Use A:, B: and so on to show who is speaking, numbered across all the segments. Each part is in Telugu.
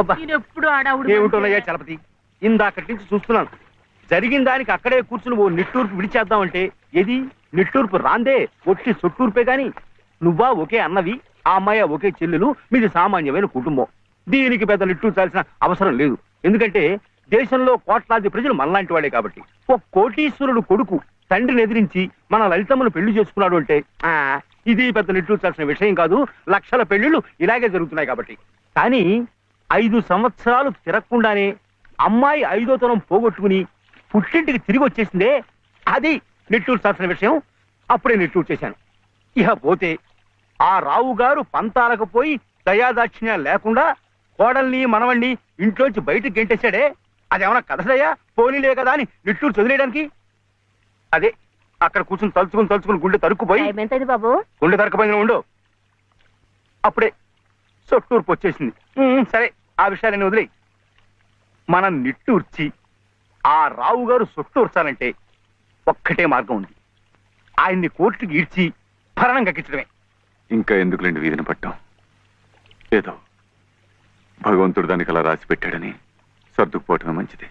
A: ఏమిటోనయ్యా చలపతి, ఇందాకటి నుంచి చూస్తున్నాను. జరిగిన దానికి అక్కడే కూర్చుని ఓ నిట్టూర్పు విడిచేద్దామంటే ఏది నిట్టూర్పు రాందే, ఒట్టి సొట్టూర్పే గాని. నువ్వా ఒకే అన్నవి, ఆ అమ్మాయి ఒకే చెల్లెలు, మీది సామాన్యమైన కుటుంబం. దీనికి పెద్ద నిట్టూర్చాల్సిన అవసరం లేదు. ఎందుకంటే దేశంలో కోట్లాది ప్రజలు మనలాంటి వాడే కాబట్టి. ఓ కోటీశ్వరుడు కొడుకు తండ్రిని ఎదిరించి మన లలితమ్మను పెళ్లి చేసుకున్నాడు అంటే ఇది పెద్ద నిట్టూర్చాల్సిన విషయం కాదు. లక్షల పెళ్లిళ్ళు ఇలాగే జరుగుతున్నాయి కాబట్టి. కానీ 5 సంవత్సరాలు తిరగకుండానే అమ్మాయి 5వ తరం పోగొట్టుకుని పుట్టింటికి తిరిగి వచ్చేసిందే, అది నిట్టూర్చాల్సిన విషయం. అప్పుడే నిట్టూరు చేశాను. ఇహ పోతే ఆ రావు గారు పంతాలకు పోయి దయాదాక్షిణ్యం లేకుండా కోడల్ని మనవణ్ణి ఇంట్లోంచి బయటకు గెంటేశాడే, అదేమన్నా కదదయ్యా, పోనీలే కదా అని నిట్టూరు చదిలేయడానికి. అదే అక్కడ కూర్చుని తలుచుకుని గుండె తరుక్కుపోయి,
B: బాబు
A: గుండె తరకపోయిన ఉండు, అప్పుడే సొట్టూర్పు వచ్చేసింది. సరే, ఆ విషయాన్ని వదిలే. మనం నిట్టూర్చి ఆ రావు గారు సొట్టూర్చాలంటే ఒక్కటే మార్గం ఉంది. ఆయన్ని కోర్టుకి ఈడ్చి భరణం కక్కించడమే.
C: ఇంకా ఎందుకులేండి వీధిని పట్టాం. ఏదో భగవంతుడు దానికి అలా రాసి పెట్టాడని సర్దుకుపోవటమే మంచిది.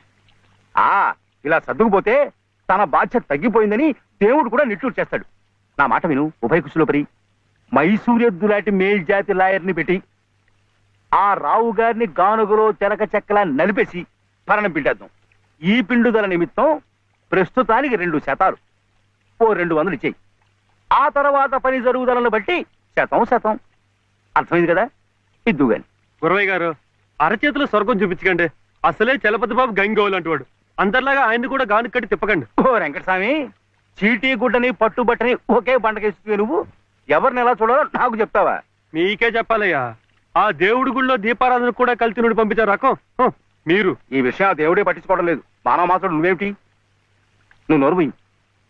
A: ఇలా సర్దుకుపోతే తన బాధ్యత తగ్గిపోయిందని దేవుడు కూడా నిట్టూరు చేస్తాడు. నా మాట విను ఉభయకుశలోపరి. మైసూరెద్దు లాంటి మేల్జాతి లాయర్ని పెట్టి ఆ రావు గారిని గానుగలో తెరక చెక్కలా నలిపేసి భరణం పిండేద్దాం. ఈ పిండుదల నిమిత్తం ప్రస్తుతానికి 2 శాతాలు, ఓ 200 ఇచ్చేయి. ఆ తర్వాత పని జరుగుదలను బట్టి శాతం. అర్థమైంది కదా? ఇద్దు గాని.
D: గురవయ్య గారు, అరచేతులు స్వర్గం చూపించకండి. అసలే చలపతి బాబు గంగోలు అంటువాడు. అందరిలాగా ఆయన్ని కూడా గాను కట్టి తిప్పకండి.
A: ఓ వెంకటస్వామి, చీటీ గుడ్డని పట్టుబట్టని ఒకే బండకేస్తుంది. నువ్వు ఎవరిని ఎలా చూడాలో నాకు చెప్తావా?
D: మీకే చెప్పాలయ్యా. ఆ దేవుడి గుళ్ళో దీపారాధన కూడా కలిసి నుండి పంపించారు రకం మీరు.
A: ఈ విషయం ఆ దేవుడే పట్టించుకోవడం లేదు. మానవ మాత్రం నువ్వేమిటి? నువ్వు నోరు పోయి.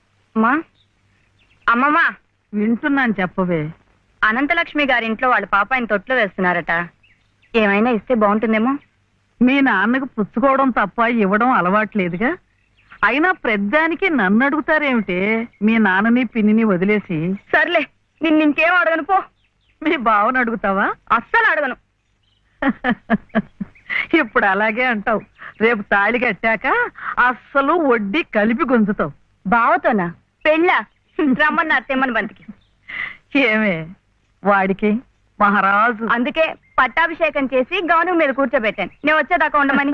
B: అమ్మమ్మా
E: వింటున్నాను, చెప్పవే.
B: అనంతలక్ష్మి గారింట్లో వాళ్ళ పాప ఆయన తొట్లో వేస్తున్నారట. ఏమైనా ఇస్తే బాగుంటుందేమో.
E: మీ నాన్నకు పుచ్చుకోవడం తప్ప ఇవ్వడం అలవాట్లేదుగా. అయినా ప్రద్దానికి నన్ను అడుగుతారేమిటే? మీ నాన్నని పిన్నిని వదిలేసి.
B: సర్లే, నిన్నింకేం అడగను పో.
E: మీ బావను అడుగుతావా?
B: అస్సలు అడగను.
E: ఇప్పుడు అలాగే అంటావు. రేపు తాళి కట్టాక అస్సలు వడ్డీ కలిపి గుంజుతావు.
B: బావతోనా? పెళ్ళా? రమ్మన్న తెమ్మని బంతికి.
E: ఏమే వాడికి మహారాజు.
B: అందుకే పట్టాభిషేకం చేసి గౌను మీద కూర్చోబెట్టాను. నేను వచ్చేదాకా ఉండమని.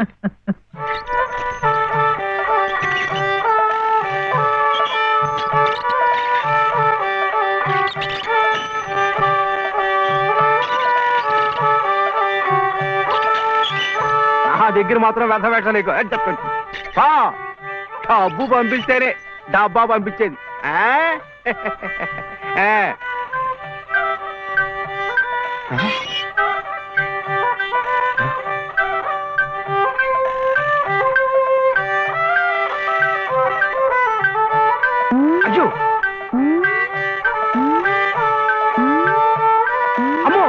A: నా దగ్గర మాత్రం వ్యర్థ పెట్టలేకు చెప్పండి. డబ్బు పంపిస్తేనే డబ్బా పంపించేది. అయ్యో అమ్మో,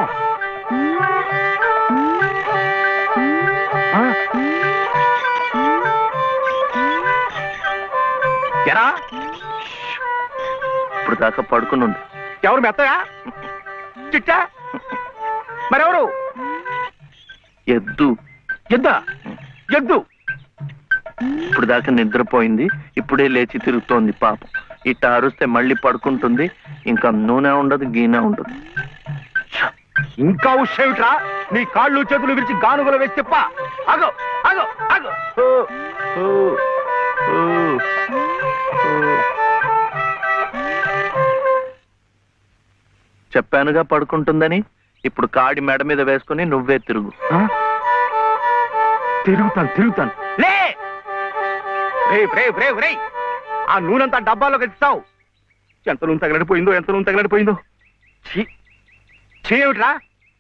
A: ఎరా
F: ఇప్పుడు దాకా పడుకునుంది.
A: ఎవరు మెత్తగా చిట్టా? మరెవరు?
F: ఎద్దు.
A: ఎద్దా? ఎద్దు
F: ఇప్పుడు దాకా నిద్రపోయింది, ఇప్పుడే లేచి తిరుగుతోంది పాపం. ఇట్ట అరుస్తే మళ్ళీ పడుకుంటుంది. ఇంకా నూనె ఉండదు, గీనె ఉండదు.
A: ఇంకా ఉషేమిట్రా? నీ కాళ్ళు చేతులు విరిచి గానుగలు వేసి చెప్ప. అగో అగో అగో.
F: చెప్పానుగా పడుకుంటుందని. ఇప్పుడు కాడి మెడ మీద వేసుకుని నువ్వే తిరుగు.
A: తిరుగుతాను. లే ఆ నూనెంతా డబ్బాలో కలిస్తావు. ఎంత నూనె తగలడిపోయిందో. ఏమిట్రా?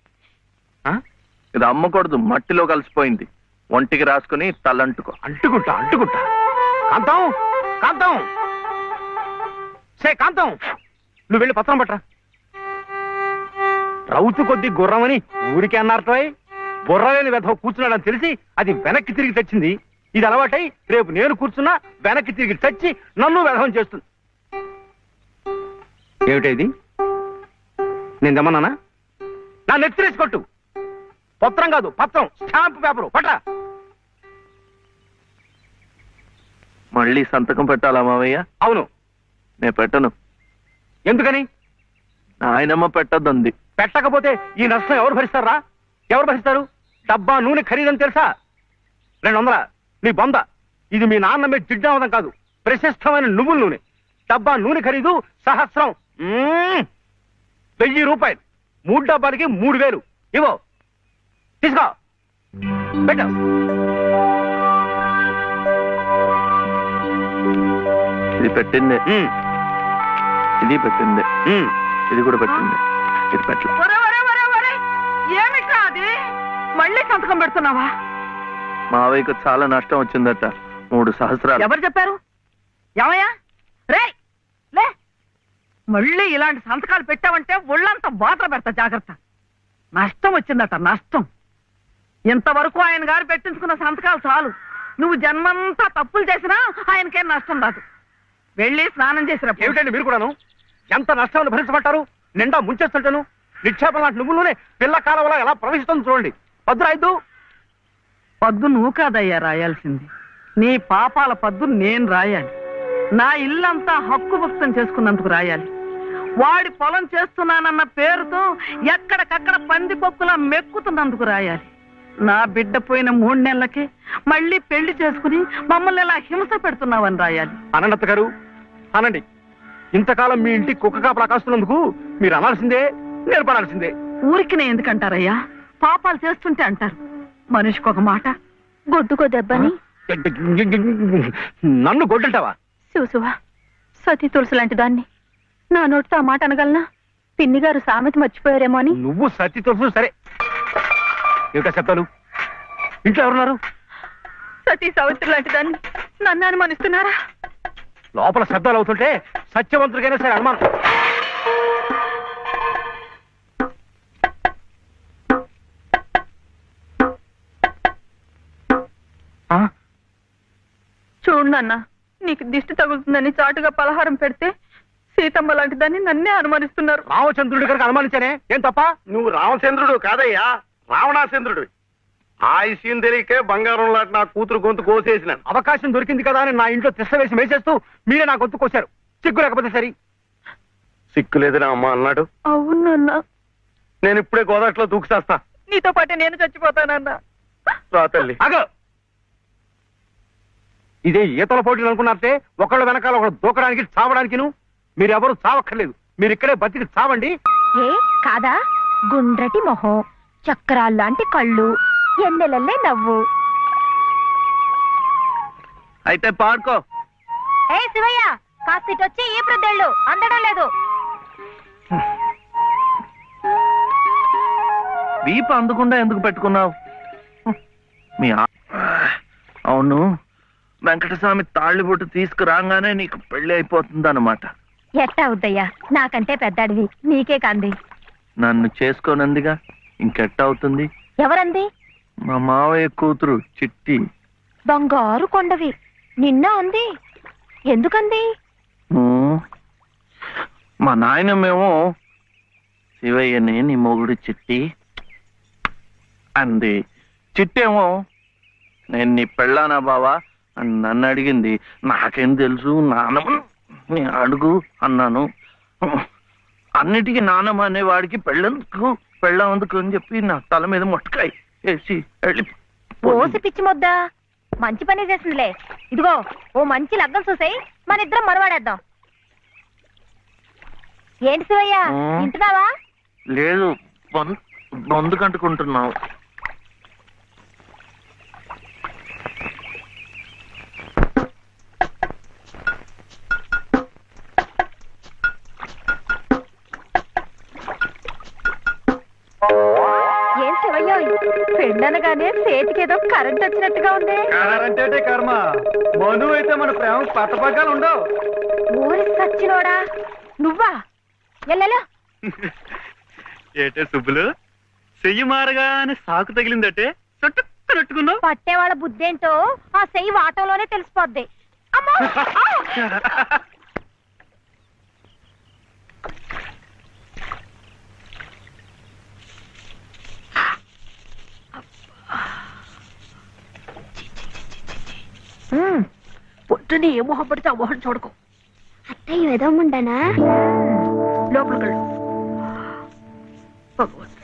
F: ఇది అమ్మకూడదు, మట్టిలో కలిసిపోయింది. ఒంటికి రాసుకుని తలంటుకో.
A: అంటుకుంటా. కాంతం కాంతం, నువ్వు వెళ్ళి పత్రం పట్టరా. రౌతు కొద్ది గుర్రమని ఊరికే అన్నారటోయ్. బుర్రలేని వెధవ కూర్చున్నాడని తెలిసి అది వెనక్కి తిరిగి తెచ్చింది. ఇది అలవాటై రేపు నేను కూర్చున్నా వెనక్కి తిరిగి తెచ్చి నన్ను వెధవం చేస్తుంది. ఏమిటా ఇది? నేను దమ్మన్నానా? నా నెత్తిరేసి కొట్టు. పత్రం కాదు పత్రం, స్టాంప్ పేపరు పట్ట.
F: మళ్ళీ సంతకం పెట్టాలా మావయ్య?
A: అవును.
F: నేను పెట్టను.
A: ఎందుకని?
F: ఆయనమ్మ పెట్టద్దంది.
A: పెట్టకపోతే ఈ నష్టం ఎవరు భరిస్తారా? ఎవరు భరిస్తారు? డబ్బా నూనె ఖరీదని తెలుసా? 200. నీ బొంద. ఇది మీ నాన్న మీద జిడ్డావదం కాదు, ప్రశస్తమైన నువ్వుల నూనె. డబ్బా నూనె ఖరీదు సహస్రం. 1000 రూపాయలు. 3 డబ్బాలకి 3000. ఇవో తీసుకో, పెట్టు.
F: ఇది పెట్టిందే, ఇది పెట్టిందే, ఇది కూడా పెట్టింది, ఇది పెట్టలే.
E: ఏమిటా అది? మళ్ళీ సంతకం పెడుతున్నావా?
F: మావయ్యకు చాలా నష్టం వచ్చిందట, 3 సహస్రాలు.
E: ఎవరు చెప్పారు? ఏమయ్యా రే లే, మళ్ళీ ఇలాంటి సంతకాలు పెట్టావంటే ఒళ్ళంతా బాధలు పెడతా, జాగ్రత్త. నష్టం వచ్చిందట, నష్టం. ఇంతవరకు ఆయన గారు పెట్టించుకున్న సంతకాలు చాలు. నువ్వు జన్మంతా తప్పులు చేసినా ఆయనకేం నష్టం రాదు. వెళ్ళి స్నానం చేసినప్పుడు.
A: ఏమిటండి మీరు కూడాను? ఎంత నష్టాన్ని భరించమంటారు? నిండా ముంచేస్తుంటాను. నిక్షేపం లాంటి నువ్వులోనే పిల్ల కాలంలో ఎలా ప్రవహిస్తుంది చూడండి. పద్దు రాయద్దు.
E: పద్దు నువ్వు కాదయ్యా రాయాల్సింది, నీ పాపాల పద్దు నేను రాయాలి. నా ఇల్లంతా హక్కు భక్తం చేసుకున్నందుకు రాయాలి. వాడి పొలం చేస్తున్నానన్న పేరుతో ఎక్కడికక్కడ పందికొక్కులా మెక్కుతున్నందుకు రాయాలి. నా బిడ్డ పోయిన 3 నెలలకే మళ్ళీ పెళ్లి చేసుకుని మమ్మల్ని ఎలా హింస పెడుతున్నావని రాయాలి.
A: అనంత గారు అనండి. ఇంతకాలం మీ ఇంటి కుక్క కాపలా కాస్తున్నందుకు మీరు అనాల్సిందే, నేర్పడాల్సిందే.
E: ఊరికి నేను ఎందుకంటారయ్యా? పాపాలు చేస్తుంటే అంటారు. మనిషికి ఒక మాట.
B: గొడ్డుకో దెబ్బని
A: నన్ను గొడ్డంటావా?
B: చూసువా, సతీ తులసి లాంటి దాన్ని నా నోటితో ఆ మాట అనగలనా? పిన్ని గారు సామెత మర్చిపోయారేమో అని.
A: నువ్వు సత్తి తెలుసు సరే. ఏమిటా శబ్దాలు? ఇంట్లో ఎవరున్నారు?
B: సతీ సావిత్రి లాంటి దాన్ని నన్ను అనుమానిస్తున్నారా?
A: లోపల శబ్దాలు అవుతుంటే సత్యవంతుడికైనా సరే అనుమానం.
B: చూడు నాన్న, నీకు దిష్టి తగులుతుందని చాటుగా పలహారం పెడితే సీతమ్మ లాంటి దాన్ని నన్నే అనుమానిస్తున్నారు.
A: రామచంద్రుడి గారికి అనుమానించానే, ఏం తప్ప?
D: నువ్వు రామచంద్రుడు కాదయ్యా, రావణాచంద్రుడు. ఆ విషయం తెలియకే బంగారం లాంటి నా కూతురు గొంతు కోసేసినాను.
A: అవకాశం దొరికింది కదా అని నా ఇంట్లో తిష్ట వేసి మేసేస్తూ మీరే నా గొంతు కోశారు. సిగ్గు లేకపోతే సరి.
D: సిక్కు లేదని అమ్మ అన్నాడు.
B: అవునన్నా,
D: నేను ఇప్పుడే గోదాట్లో దూకుసేస్తా.
B: నీతో పాటే నేను చచ్చిపోతానన్నా.
D: రా తల్లి.
A: అగో, ఇదే ఈతల పోటీలు అనుకున్నారంటే ఒకళ్ళ వెనకాల ఒకళ్ళు దూకడానికి చావడానికి మీరెవరు చావక్కర్లేదు. మీరు ఇక్కడే బతికి చావండి.
G: ఏ కాదా? గుండ్రటి మొహం, చక్రాల్లాంటి కళ్ళు, ఎన్నెలల్లే నవ్వు.
F: అయితే పాడుకో.
G: ఏ శివయ్య, కాస్త ఇటొచ్చి ఈ ప్రద్దెళ్ళు అందడం లేదు.
F: వీపు అందకుండా ఎందుకు పెట్టుకున్నావు? మీ అవును, వెంకటస్వామి తాళ్ళిబొట్టు తీసుకురాగానే నీకు పెళ్లి అయిపోతుందన్నమాట.
G: ఎట్టా అవుద్దయ్యా, నాకంటే పెద్దాడివి, నీకే కంది.
F: నన్ను చేసుకోనందిగా, ఇంకెట్ట అవుతుంది?
G: ఎవరంది?
F: మా మావయ్య కూతురు చిట్టి.
G: బంగారు కొండవి, నిన్న అంది. ఎందుకంది?
F: మా నాయనమేమో శివయ్యని నీ మొగుడు చిట్టి అంది. చిట్టేమో నేను నీ పెళ్ళానా బావా అని నన్ను అడిగింది. నాకేం తెలుసు, నానమ్మ నీ అడుగు అన్నాను. అన్నిటికీ నానమ్మ అనేవాడికి పెళ్ళందుకు అని చెప్పి నా తల మీద మొట్టకాయ వేసి వెళ్ళి
G: ఓసి పిచ్చి మొద్దా, మంచి పని చేసిందిలే. ఇదిగో ఓ మంచి లగ్గం చూసాయి, మన ఇద్దరం మరవాడేద్దాం. ఏంటి శివయ్య, వింటున్నావా?
F: లేదు, బొందు కంటుకుంటున్నావు.
G: ఏం శివయ్య, పెళ్ళనగానే చేతికేదో కరెంట్ వచ్చినట్టుగా ఉంది.
D: అంటే కర్మ, మను అయితే మన ప్రేమ పట్టపగ్గాలు ఉండవు.
G: ఊరి సచ్చినోడా, నువ్వా? ఎల్లెలో
D: ఏటే సుబ్బులు, చెయ్యి మారగానే సాకు తగిలిందటే చుట్టుకున్నట్టుకున్నావు.
G: పట్టేవాళ్ళ బుద్ధేంటో ఆ చెయ్యి వాటంలోనే తెలిసిపోద్ది. అమ్మో!
B: పొద్దుని ఏ మొహం పడితే ఆ మొహం చూడకు.
H: అత్తయ్య వెదవమంటానా?
B: లోపలికి వెళ్ళు. భగవంతుడా.